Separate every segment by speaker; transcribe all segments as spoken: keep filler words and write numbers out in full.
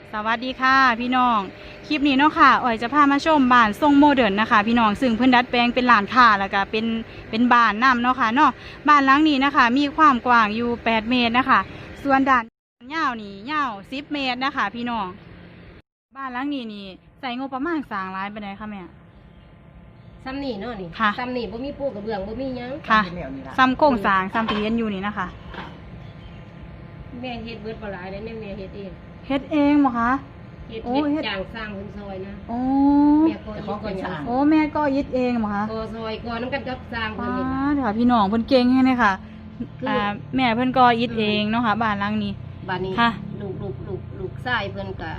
Speaker 1: สวัสดีค่ะพี่น้องคลิปนี้เนาะค่ะอ๋อยจะพามาชมบ้านทรงโมเดิร์นนะคะพี่น้องซึ่งเพิ่นดัดแปลงเป็นร้านค้าแล้วก็เป็นเป็นบ้านน้ำเนาะค่ะเนาะบ้านหลังนี้นะคะมีความกว้างอยู่แปดเมตรนะคะส่วนด้านยาวนี่ยาวสิบเมตรนะคะพี่น้องบ้านหลังนี้นี่ใส่งบประมาณสร้างหลายปานใดคะแม่
Speaker 2: ซ้ำนี่เนาะนี่
Speaker 1: ค่ะ
Speaker 2: ซ้ำนี่บ่มีปูกระเบื้องบ่มีหยัง
Speaker 1: ค่ะซ้ำโครงสร้างซ้ำที่เห็นอยู่นี่นะคะ
Speaker 2: แม่เฮ็ดเบิดบ่หลายเด้แม่เฮ็ดเอง
Speaker 1: เฮ็ดเองบ่คะ
Speaker 2: เฮ็ดเฮ็ดจ้างสร้างเพิ่นซอยนะ
Speaker 1: โอ้
Speaker 2: แม่ก็ของคนสร้าง
Speaker 1: โอ้แม่ก็ยึดเองบ่คะ
Speaker 2: ก็ซอยก็นำกันกับสร้างเพิ่นนี่
Speaker 1: ค่ะพี่น้องเพิ่นเก่งแฮงเลยค่ะอ่าแม่เพิ่นก็ยึดเองเนาะค่ะบ้านหลังนี้
Speaker 2: บ้านนี้
Speaker 1: ค่ะ
Speaker 2: ลูกลูกลูกลูกชายเพิ่นก็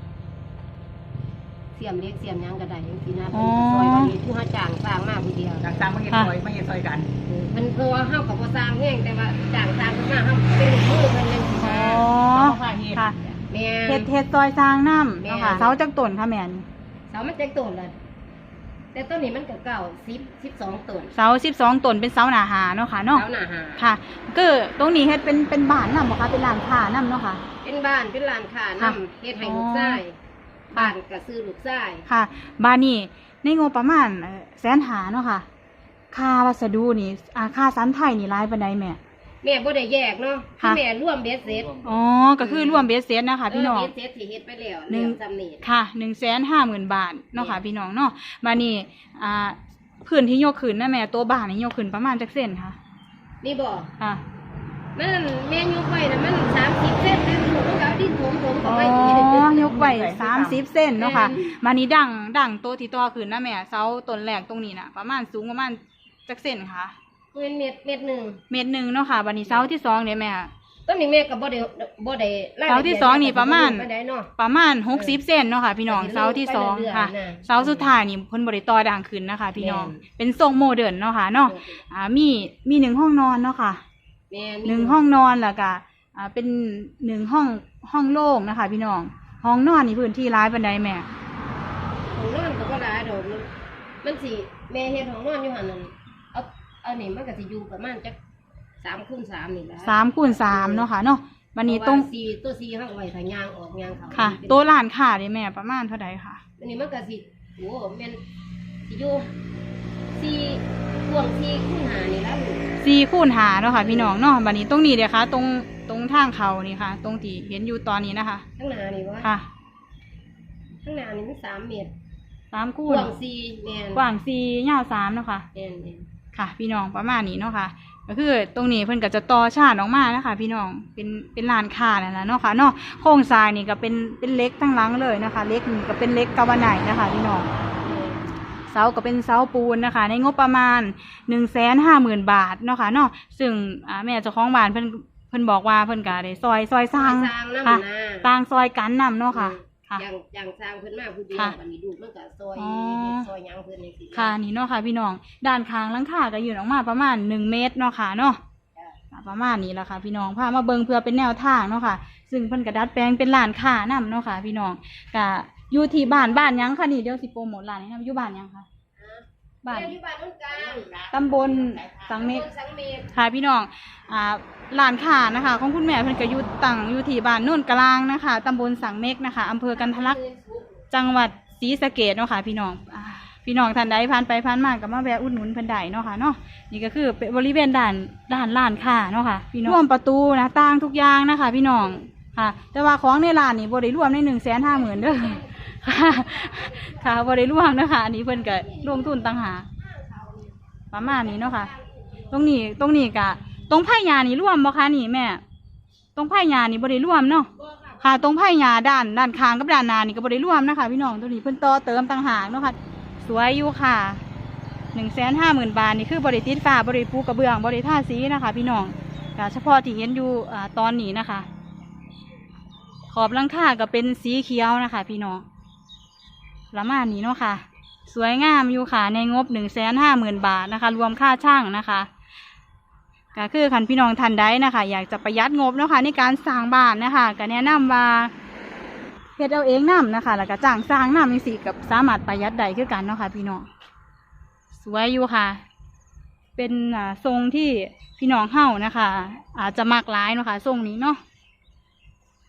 Speaker 2: เสียมเล็กเสียมหยังก็ได้จังซี่นะเพิ่นก็ซอยบ้านนี้ผู้หาจ้างสร้างมาผู้เดียว
Speaker 3: จ้างสร้างมาเฮ็ดซอยมาเฮ็ดซอยกัน
Speaker 2: เพิ่นเพราะว่าเฮาก็บ่สร้างแฮงแต่ว่าจ้างสร้างเพิ่นมาเฮาเป็นมือเพิ่นจังซี่
Speaker 1: อ๋อค่ะ
Speaker 2: แม่
Speaker 1: เฮ็ดเฮ็ดซอยสร้างน้ำเนาะค่ะเสาจักต้นค่ะแม่น
Speaker 2: เสามันจักต้นล่ะแต่ต้นนี้มันก็เก่าสิบ สิบสองต้น
Speaker 1: เสาสิบสองต้นเป็นเสาหน้าหาเนาะค่ะเนาะ
Speaker 2: เสาหน้าหา
Speaker 1: ค่ะคือตรงนี้เฮ็ดเป็นเป็นบ้านนำบ่คะเป็นร้านค้านำเนาะค่ะ
Speaker 2: เป็นบ้านเป็นร้านค้านำเฮ็ดให้ลูกชายบ้านก็ซื้อลูกชาย
Speaker 1: ค่ะบ้านนี้ในงบประมาณแสนหาเนาะค่ะค่าวัสดุนี่อ่าค่าสันไทยนี่หลายปานใดแม่
Speaker 2: แม่บ่ได้แยกเนาะคือแม่รวมเบ็ดเสร็จ
Speaker 1: อ๋อก็คือรวมเบ็ดเสร็จนะคะพี่น้อง
Speaker 2: เบ็ดเสร็จที่เฮ็ดไปแล้วแล้วจำนี่
Speaker 1: ค่ะ หนึ่งแสนห้าหมื่น บาทเนาะค่ะพี่น้องเนาะบัดนี้อ่าพื้นที่ยกขึ้นนะแม่ตัวบ้านนี่ยกขึ้นประมาณจักเซนค่ะ
Speaker 2: นี่บ่
Speaker 1: ค่ะ
Speaker 2: มันแม่ยกไว้น่ะมันสามสิบเซนแต่ลูกมันก็เอาดินถมๆเข้าไป
Speaker 1: อ๋อยกไว้สามสิบเซนเนาะค่ะบัดนี้ดังดังตัวที่ต่อขึ้นนะแม่เสาต้นแรกตรงนี้น่ะประมาณสูงประมาณจักเซนค่ะ
Speaker 2: เป็นเม็ดเม็ดนึง
Speaker 1: เม็ดนึงเนาะค่ะบัดนี้เสาที่สองเนี่ยแม่
Speaker 2: ต้นนี้แม่ก็บ่ได้บ่ได้
Speaker 1: เสาที่สองนี่ประมาณประมาณหกสิบเซนเนาะค่ะพี่น้องเสาที่สองค่ะเสาสุดท้ายนี่เพิ่นบ่ได้ต่อดังขึ้นนะคะพี่น้องเป็นทรงโมเดิร์นเนาะค่ะเนาะอ่ามีมีหนึ่งห้องนอนเนาะค่ะหนึ่งห้องนอนแล้วก็อ่าเป็นหนึ่งห้องห้องโล่งนะคะพี่น้องห้องนอนนี่พื้นที่ร้ายปานใดแม่
Speaker 2: ห้องนอนก็บ่หลายดอกมันสิแม่เฮ็ดห้องนอนอยู่หั่นนั่นเอาเอานี่มันก็สิอยู่ประมาณจักสามคูณสามนี่แหละ
Speaker 1: สามคูณสามเนาะค่ะเนาะวันนี้ตรง
Speaker 2: สี่ตัวสี่เฮาไว้ถ้ายางออกยางเข้า
Speaker 1: ค่ะตัวร้านค้านี่แม่ประมาณเท่าใดค่ะ
Speaker 2: อันนี้มันก็สิโอ้แม่นสิอยู่สี่กว้างสี่คูณห้านี่ล่ะลูก
Speaker 1: สี่คูณห้าเนาะค่ะพี่น้องเนาะบัดนี้ตรงนี้เด้อค่ะตรงตรงทางเข้านี่ค่ะตรงที่เห็นอยู่ตอนนี้นะคะ
Speaker 2: ข้างหน้านี่บ่
Speaker 1: ค่ะ
Speaker 2: ข้างหน้านี่มันสามเมตร
Speaker 1: สามคูณ
Speaker 2: กว้างสี่แม่น
Speaker 1: กว้างสี่ยาวสามเนาะค่ะ
Speaker 2: แม่น
Speaker 1: ค่ะพี่น้องประมาณนี้เนาะค่ะก็คือตรงนี้เพิ่นก็จะต่อชาติออกมานะคะพี่น้องเป็นเป็นร้านค้านั่นแหละเนาะค่ะเนาะโครงสร้างนี่ก็เป็นเป็นเหล็กทั้งหลังเลยนะคะเหล็กนี่ก็เป็นเหล็กกาวาไนท์นะคะพี่น้องเสาก็เป็นเสาปูนนะคะในงบประมาณหนึ่งแสนห้าหมื่นบาทเนาะค่ะเนาะซึ่งอ่าแม่เจ้าของบ้านเพิ่นเพิ่นบอกว่าเพิ่นก็ได้ซอยซอยสร้างค่ะต่างซอยกันนำเนาะค่ะ
Speaker 2: อย่างอย่างสร้างเพิ่นมาผู้เดียวบัดนี้ดูมันก็ซอยซอยหยังเพิ่นจังซี่
Speaker 1: ค่ะนี่เนาะค่ะพี่น้องด้านข้างหลังคาก็ยื่นออกมาประมาณหนึ่งเมตรเนาะค่ะเนาะประมาณนี้แหละค่ะพี่น้องพามาเบิ่งเพื่อเป็นแนวทางเนาะค่ะซึ่งเพิ่นก็ดัดแปลงเป็นร้านค้านำเนาะค่ะพี่น้องก็อยู่ที่บ้านบ้านหยังค่ะนี่เดี๋ยวสิโปรโมทร้านนี้นำอยู่บ้านหยังค่ะ
Speaker 2: บ้านอยู่บ้านนุ่นกลาง
Speaker 1: ตำบลสังเมฆค่ะพี่น้องอ่าร้านค้านะคะของคุณแม่เพิ่นก็อยู่ตั้งอยู่ที่บ้านนุ่นกลางนะคะตำบลสังเมฆนะคะอำเภอกันทะลักจังหวัดศรีสะเกษเนาะค่ะพี่น้องพี่น้องท่านใดผ่านไปผ่านมาก็มาแวะอุดหนุนเพิ่นได้เนาะค่ะเนาะนี่ก็คือเป็นบริเวณด้านด้านร้านค้าเนาะค่ะพี่น้องรวมประตูนะต่างทุกอย่างนะคะพี่น้องค่ะแต่ว่าของในร้านนี่บ่ได้รวมในหนึ่งแสนห้าหมื่นเด้อค่ะค่ะบ่ได้รวมนะคะอันนี้เพิ่นก็ลงทุนต่างหากประมาณนี้เนาะค่ะตรงนี้ตรงนี้กะตรงไผ่หญ้านี่รวมบ่คะนี่แม่ตรงไผ่หญ้านี่บ่ได้รวมเนาะค่ะตรงไผ่หญ้าด้านด้านข้างกับด้านหน้านี่ก็บ่ได้รวมนะคะพี่น้องตรงนี้เพิ่นต่อเติมต่างหากเนาะค่ะสวยอยู่ค่ะหนึ่งแสนห้าหมื่นบาทนี่คือบริติดฝ้าบริปูกระเบื้องบริท่าสีนะคะพี่น้องแต่เฉพาะที่เห็นอยู่อ่าตอนนี้นะคะขอบหลังคาก็เป็นสีเขียวนะคะพี่น้องประมาณนี้เนาะค่ะสวยงามอยู่ค่ะในงบหนึ่งแสนห้าหมื่นบาทนะคะรวมค่าช่างนะคะก็คือคันพี่น้องท่านใดนะคะอยากจะประหยัดงบเนาะค่ะในการสร้างบ้านนะคะก็แนะนำว่าเฮ็ดเอาเองนำนะคะแล้วก็จ้างสร้างนำจังซี่กับสามารถประหยัดได้คือกันเนาะค่ะพี่น้องสวยอยู่ค่ะเป็นอ่าทรงที่พี่น้องเฮานะคะอาจจะมักหลายเนาะค่ะทรงนี้เนาะ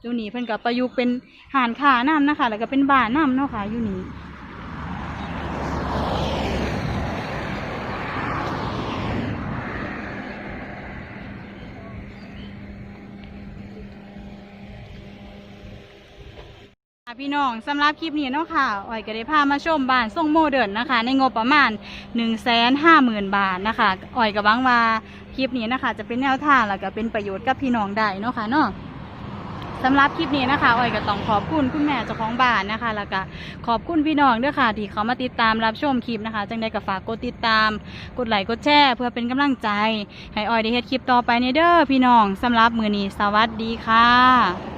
Speaker 1: อยู่นี่เพิ่นก็ประยุกต์เป็นหานขาน้ำนะคะแล้วก็เป็นบ้านน้ำเนาะค่ะอยู่นี่พี่น้องสำหรับคลิปนี้เนาะค่ะอ้อยก็ได้พามาชมบ้านทรงโมเดิร์นนะคะในงบประมาณ หนึ่งแสนห้าหมื่น บาทนะคะอ้อยก็หวังว่าคลิปนี้นะคะจะเป็นแนวทางแล้วก็เป็นประโยชน์กับพี่น้องได้เนาะค่ะเนาะสำหรับคลิปนี้นะคะอ้อยก็ต้องขอบคุณคุณแม่เจ้าของบ้านนะคะแล้วก็ขอบคุณพี่น้องด้วยค่ะที่เขามาติดตามรับชมคลิปนะคะจังได้ก็ฝากกดติดตามกดไลค์กดแชร์เพื่อเป็นกำลังใจให้อ้อยได้เฮ็ดคลิปต่อไปในเด้อพี่น้องสำหรับมื้อนี้สวัสดีค่ะ